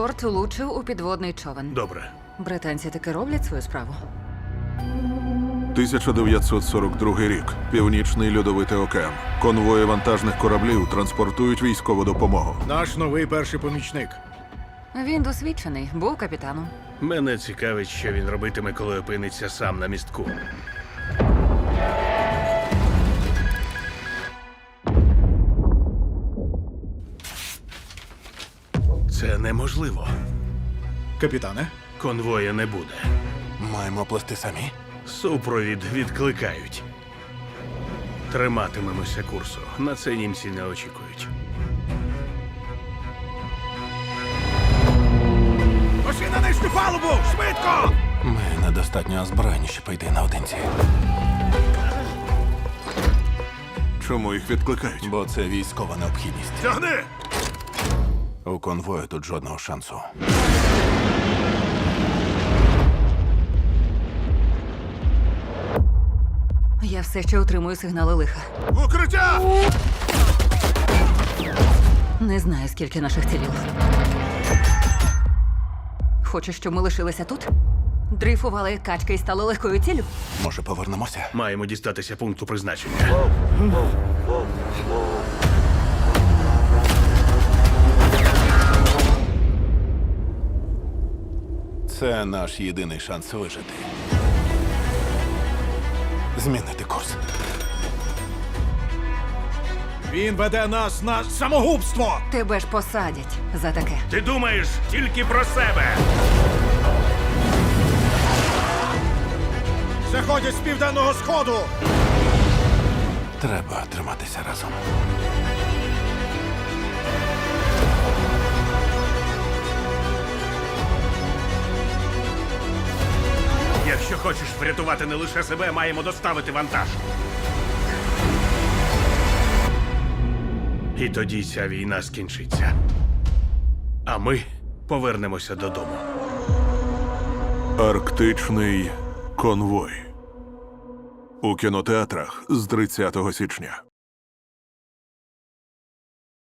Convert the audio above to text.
Транспорт влучив у підводний човен. Добре. Британці таки роблять свою справу. 1942 рік. Північний льодовитий океан. Конвої вантажних кораблів транспортують військову допомогу. Наш новий перший помічник. Він досвідчений, був капітаном. Мене цікавить, що він робитиме, коли опиниться сам на містку. Це неможливо. Капітане? Конвоя не буде. Маємо плести самі. Супровід відкликають. Триматимемося курсу. На це німці не очікують. Пошли на нижню палубу! Швидко! Ми недостатньо озброєні, щоб йти наодинці. Чому їх відкликають? Бо це військова необхідність. Тягни! У конвою тут жодного шансу. Я все ще отримую сигнали лиха. Укриття! Не знаю, скільки наших ціліло. Хочеш, щоб ми лишилися тут? Дрейфували як качки і стали легкою ціллю? Може, повернемося? Маємо дістатися пункту призначення. Це наш єдиний шанс вижити. Змінити курс. Він веде нас на самогубство! Тебе ж посадять за таке. Ти думаєш тільки про себе! Заходять з південного сходу! Треба триматися разом. Якщо хочеш врятувати не лише себе, маємо доставити вантаж. І тоді ця війна скінчиться. А ми повернемося додому. Арктичний конвой. У кінотеатрах з 30 січня.